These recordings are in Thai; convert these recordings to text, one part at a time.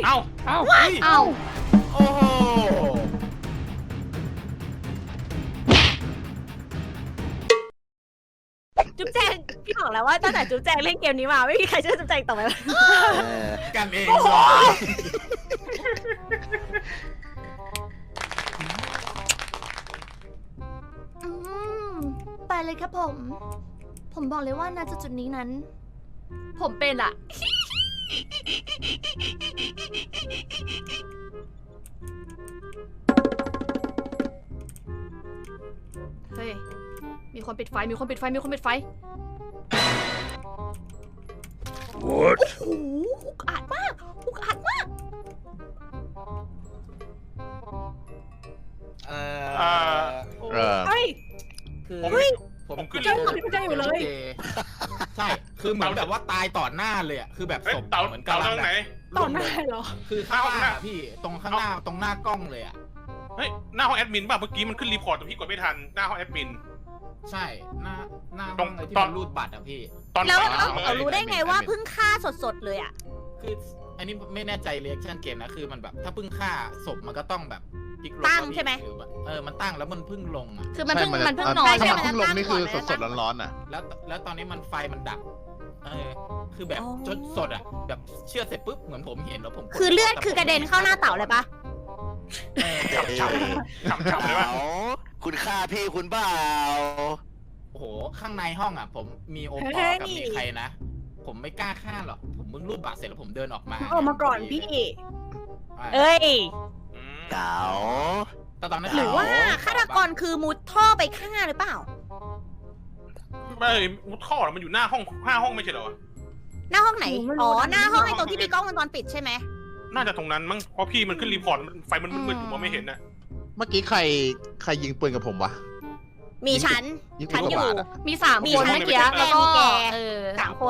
เอ้าเอ้าเอ้าโอ้โหจุ๊บแจงพี่บอกแล้วว่าตั้งแต่จุ๊บแจงเล่นเกมนี้มาไม่มีใครเชื่อจุ๊บแจงต่อไปแล้วกันเองอืมไปเลยครับผม ผมบอกเลยว่าณจุดนี้นั้น ผมเป็นอะเฮ้ย มีคนปิดไฟ มีคนปิดไฟ มีคนปิดไฟ What? โอ้โหอุกอาจมาก อุกอาจมากเอเฮ้ยคือเฮ้ยผมผมเจอพี่แจ้งอยู่เลยใช่คือเหมือนแบบว่าตายต่อหน้าเลยอ่ะคือแบบเฮ้ยศพเต่าเหมือนเต่ากำลัตรงไหนต่อหน้าเหรอคือข้างล่างอะพี่ตรงข้างหน้าตรงหน้ากล้องเลยอ่ะเฮ้ยหน้าห้องแอดมินป่ะเมื่อกี้มันขึ้นรีพอร์ตแต่พี่กดไม่ทันหน้าห้องแอดมินใช่หน้าตรงห้องเลยที่ตอนมันรูดบัตรอ่ะพี่ตอนแล้วสายเราเลยเอารู้ได้ไงว่าเพิ่งฆ่าสดๆเลยอะคืออันนี้ไม่แน่ใจเรีแอคชั่นเกมนะคือมันแบบถ้าเพิ่งฆ่าศพมันก็ต้องแบบพลิกลงตั้งว่าพี่ใช่ไหมรือแบบมันตั้งแล้วมันเพิ่งลงอ่ะคือมันเพิ่งใช่มันเพิ่งจะนอนถ้าใช่มันไหมเพิ่งลงนี่คือสดๆร้อนๆอ่ะแล้วตอนนี้มันไฟมันดับคือแบบจนสดอ่ะแบบเชื่อดเสร็จปุ๊บเหมือนผมเห็นแล้วผมกคือเลือดคือกระเด็นเข้าหน้าเต่าเลยปะฉ่ำเลยป่ะคุณฆ่าพี่คุณเปล่าโอ้โหข้างในห้องอ่ะ ผมมีโอปอกับมีใครนะ ผมไม่กล้าฆ่าหรอกผมเพิ่งรูดบัตรเสร็จแล้วผมเดินออกมาออกมาก่อนพี่เอ้ยอืมเก๋าแต่ตอนนั้นหรือว่าฆาตกรคือมุดท่อไปฆ่าหรือเปล่าไม่มุดท่อเหรอมันอยู่หน้าห้องไม่ใช่เหรอหน้าห้องไหน อ๋อ หน้าห้องไอ้ตรงที่มีกล้องวงจรปิดใช่ไหมน่าจะตรงนั้นมั้งเพราะพี่มันขึ้นรีพอร์ตไฟมันมืดๆอยู่มองไม่เห็นนะเมื่อกี้ใครยิงปืนกับผมวะมีฉันยิงปืฉันนกับอยู่บาทอ่ะมีสามมีคนฉันเมื่อกี้มีแล้วแกก็สามคน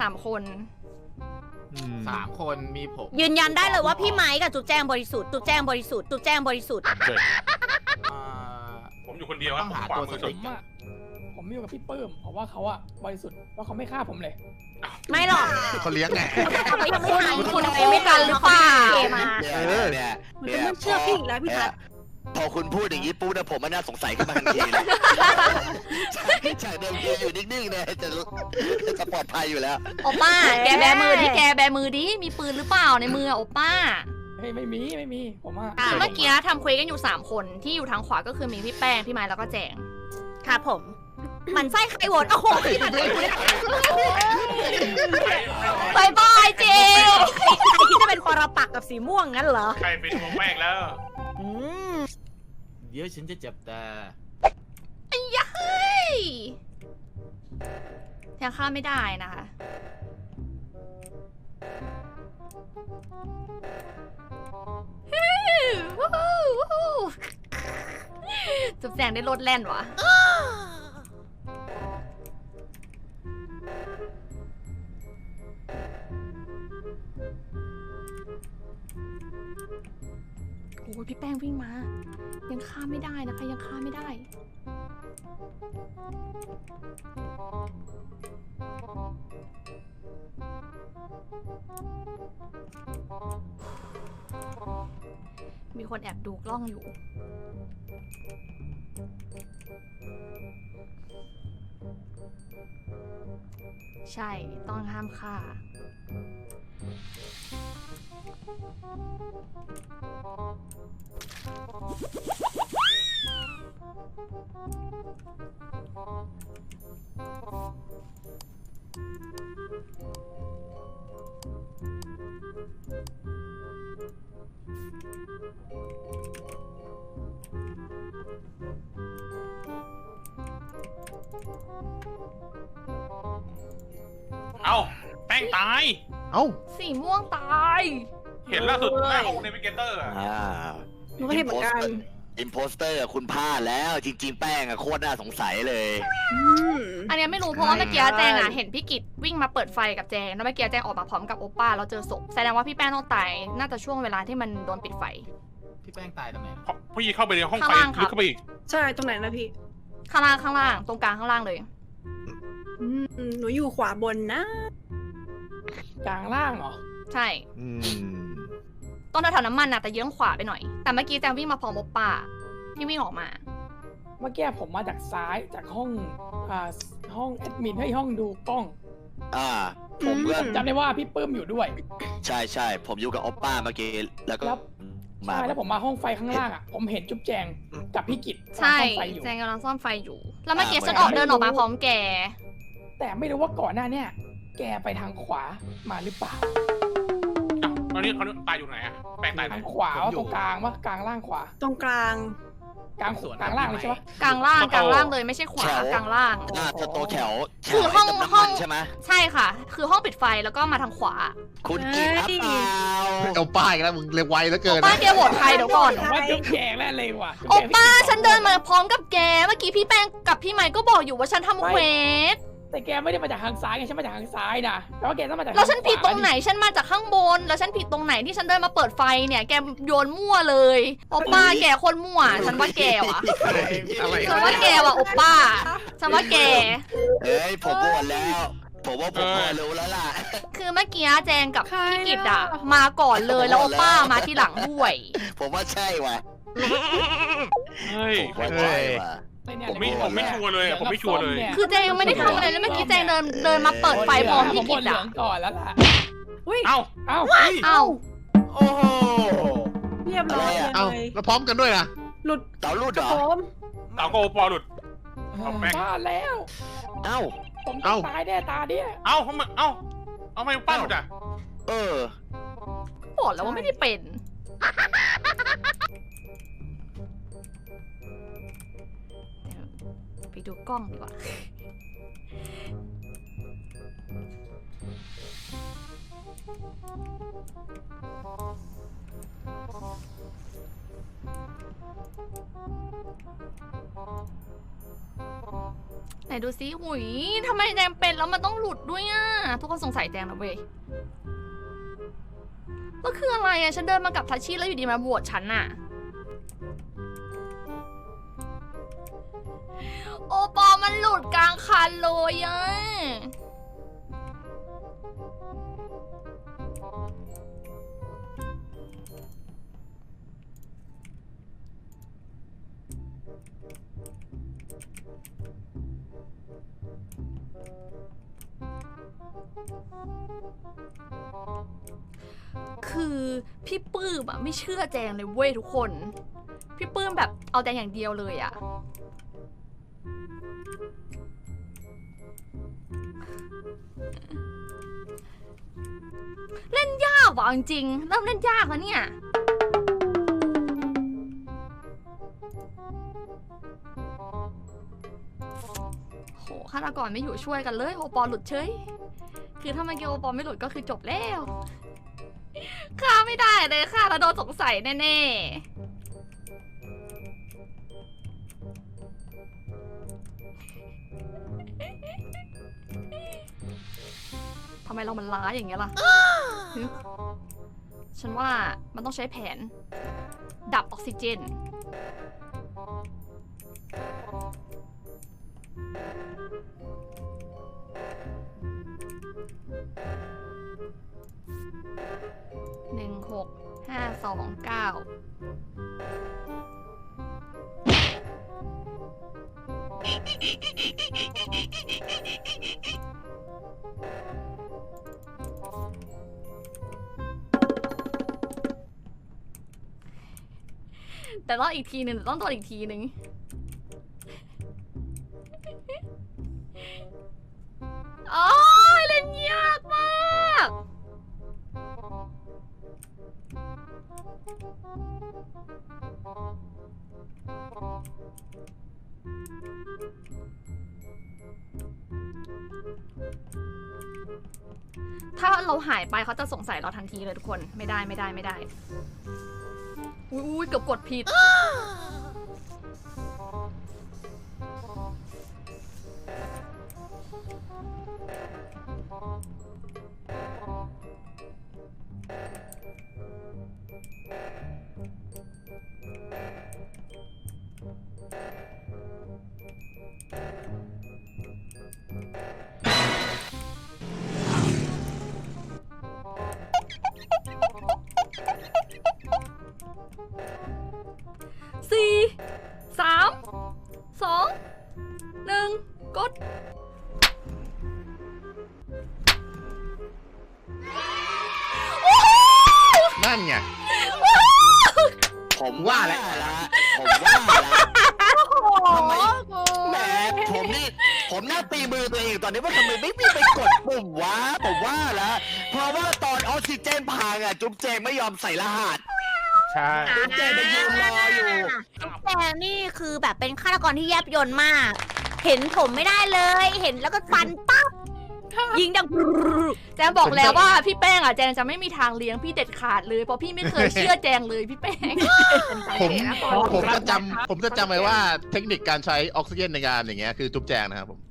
อืม 3 คนมีผมยืนยันได้เลยว่าพี่ไม้กับจุ๊บแจงบริสุทธิ์ จุ๊บแจงบริสุทธิ์ จุ๊บแจงบริสุทธิ์อ่าผมอยู่คนเดียวครับต้องผมหาขวาตัวมืสอสุติ๊ดกผมอยู่กับพี่ปื้มเพราะว่าเขาอะบริสุทธิ์ว่าเขาไม่ฆ่าผมเลยไม่หรอกเขาเลี้ยงไงเขายังไม่ทันคุณไม่ทันหรือเปล่ามาเนี่ยมันจะไม่เชื่อพี่อีกแล้วพี่ทัศน์พอคุณพูดอย่างนี้ปุ๊บนะผมมันน่าสงสัยขึ้นมาทันทีเลยจากเดิมทีอยู่นิ่งๆเนี่ยจะปลอดภัยอยู่แล้วโอป้า แกแบมือดิแกแบมือดิ มีปืนหรือเปล่าในมือโอป้าเฮ้ยไม่มีผมอะเมื่อกี้ทำเควสกันอยู่3คนที่อยู่ทางขวาก็คือมีพี่แป้ง พี่ไม้แล้วก็แจง ครับผม มันไส้ใครโหวตโอ้โหพี่มันไม่รู้บายบายเจใครที่จะเป็นปรปักษ์กับสีม่วงงั้นเหรอใครเป็นหัวแป้งแล้วอืมเดี๋ยวฉันจะจับตาเฮ้ยยังฆ่าไม่ได้นะคะวู้ฮู้วู้ฮู้จุ๊บแจงได้รถแล่นวะโอ้ยพี่แป้งวิ่งมา ยังฆ่าไม่ได้นะคะ ยังฆ่าไม่ได้ มีคนแอบดูกล้องอยู่ ใช่ ต้องห้ามฆ่าเอ้าแป้งตายเอ้าสีม่วงตายเห็นล่าสุดหน้าของเนวิเกเตอร์อะหนูก็เห็นเหมือนกันอิมโพสเตอร์คุณพลาดแล้วจริงๆแป้งอะโคตรน่าสงสัยเลยอันเนี้ยไม่รู้เพราะว่าเมื่อกี้แจงอ่ะเห็นพี่กิจวิ่งมาเปิดไฟกับแจงแล้วเมื่อกี้แจงออกมาพร้อมกับโอป้าแล้วเจอศพแสดงว่าพี่แป้งต้องตายน่าจะช่วงเวลาที่มันโดนปิดไฟพี่แป้งตายตรงไหนเพราะพี่เข้าไปในห้องไฟข้างล่างครับลึกเข้าไปอีกใช่ตรงไหนนะพี่ข้างล่างตรงกลางข้างล่างเลยหนูอยู่ขวาบนนะกลางล่างเหรอใช่อืมตรงแถวๆน้ำมันน่ะแต่เยื้องขวาไปหน่อยแต่เมื่อกี้แจงวิ่งมาพร้อมโอป้าที่วิ่งออกมาเมื่อกี้ผมมาจากซ้ายจากห้องห้องแอดมินให้ห้องดูกล้องผมก็จำได้ว่าพี่ปื้มอยู่ด้วยใช่ผมอยู่กับโอปป้าเมื่อกี้แล้วก็แล้วมาใช่แล้วผมมาห้องไฟข้างล่างอ่ะผมเห็นจุ๊บแจงกับพี่กิตใช่ห้องไฟอยู่แจงกำลังซ่อมไฟอยู่ แล้วเมื่อกี้ฉันเดินออกมาพร้อมแกแต่ไม่รู้ว่าก่อนหน้าเนี่ยแกไปทางขวามาหรือเปล่าอ้าวตอนนี้เขาตายอยู่ไหนอะแปลงตายไหนทางขวาตรงกลางวะกลางล่างขวาตรงกลางกลางล่างเลยใช่ปะกลางล่างเลยไม่ใช่ขวากลางล่างสโตแถวคือห้องน้ำห้มัองนใช่ไหมใช่ค่ะ คือห้องปิดไฟแล้วก็มาทางขวาคุณกินครับเปล่าเอาป้ายกันแล้วมึงเร็วไวแล้วเกินป้านะแกโหวตใครเดี๋ยวก่อนผมว่าจุ๊บแจงแน่เลยว่ะโอป้าฉันเดินมาพร้อมกับแก เมื่อกี้พี่แป้งกับพี่ไมค์ก็บอกอยู่ว่าฉันทำเควสแต่แกไม่ได้มาจากทางซ้ายไงฉันมาจากทางซ้ายนะแต่ว่าแกต้องมาจากแล้วฉันผิดตรงไหน ฉันมาจากข้างบน แล้วฉันผิดตรงไหนที่ฉันเดินมาเปิดไฟเนี่ย แกโยนมั่วเลยโอป้าแกคนมั่ว ฉันว่าแกว่ะอะไรฉันว่าแกว่ะโอป้า ฉันว่าแกเฮ้ยผมโหวตแล้ว ผมว่าผมพอรู้แล้วล่ะคือเมื่อกี้แจงกับพี่กิตอะมาก่อนเลยแล้วโอป้ามาที่หลังด้วยผมว่าใช่ว่ะเฮ้ยผมว่าใช่ว่ะผมไม่ชัวร์เลยอะผมไม่ชัวร์เลยคือแจงยังไม่ได้ทำอะไรเลยเมื่อกี้แจงเดินมาเปิดไฟพร้อมพี่กิตเหลือะองก่อนแล้วล่ะเอ้าเอ้าเอ้าโอ้โหเรียบร้อยอะไรอะเอาเลยแล้วพร้อมกันด้วยนะหลุดเต่ารูดเหรอผมเต่าโกปอหลุด เอาแป้งบ้าแล้วเอ้าผมต้องตายแน่ตาเนี่ยเอ้าทำไมเอาไมป้าหลุดอะเออบอกแล้วว่าไม่ได้เป็นไปดูกล้องดีกว่า ไหนดูซิหุยทำไมแจงเป็นแล้วมันต้องหลุดด้วยอ่ะ ทุกคนสงสัยแจงนะเว้ยแล้วคืออะไรอ่ะ ฉันเดินมากับทัชชี่แล้วอยู่ดีมาบวชฉันน่ะ โอปอมันหลุดกลางคันเลยอ่ะ คือพี่ปื้มอะไม่เชื่อแจงเลยเว้ยทุกคน พี่ปื้มแบบเอาแจงอย่างเดียวเลยอะเล่นยากว่ะจริงๆเริ่มเล่นยากแล้วเนี่ย โหฆาตกรไม่อยู่ช่วยกันเลยโอปอหลุดเฉย คือถ้ามันเกี่ยวโอปอไม่หลุดก็คือจบแล้วฆ่าไม่ได้เลยฆ่าแล้วโดนสงสัยแน่ๆ ทำไมเรามันล้าอย่างเงี้ยล่ะ ฉันว่ามันต้องใช้แผน ดับออกซิเจน แต่รอดอีกทีหนึ่งต้องโดนอีกทีหนึ่งโอ้ยเล่นยากมากถ้าเราหายไปเขาจะสงสัยเราทันทีเลยทุกคนไม่ได้ไม่ได้ไม่ได้อุ้ยเกือบกดผิดกดนั่นไงผมว่าแล้วผมว่าแล้วทำไมแหมผมน่าตีมือตัวเองตอนนี้ว่าทำไมไม่ไปกดปุ่มวะผมว่าแล้วเพราะว่าตอนออกซิเจนพังอ่ะจุ๊บแจงไม่ยอมใส่รหัสใช่จุ๊บแจงไปยืนรออยู่จุ๊บแจงนี่คือแบบเป็นฆาตกรที่แยบยลมาก เห็นผมไม่ได้เลย เห็นแล้วก็ฟันปั๊บยิงดังแจงบอกแล้วว่าพี่แป้งอ่ะแจงจะไม่มีทางเลี้ยงพี่เด็ดขาดเลยเพราะพี่ไม่เคยเชื่อแจงเลยพี่แป้งผมจะจำไว้ว่าเทคนิคการใช้ออกซิเจนในการอย่างเงี้ยคือจุ๊บแจงนะครับผม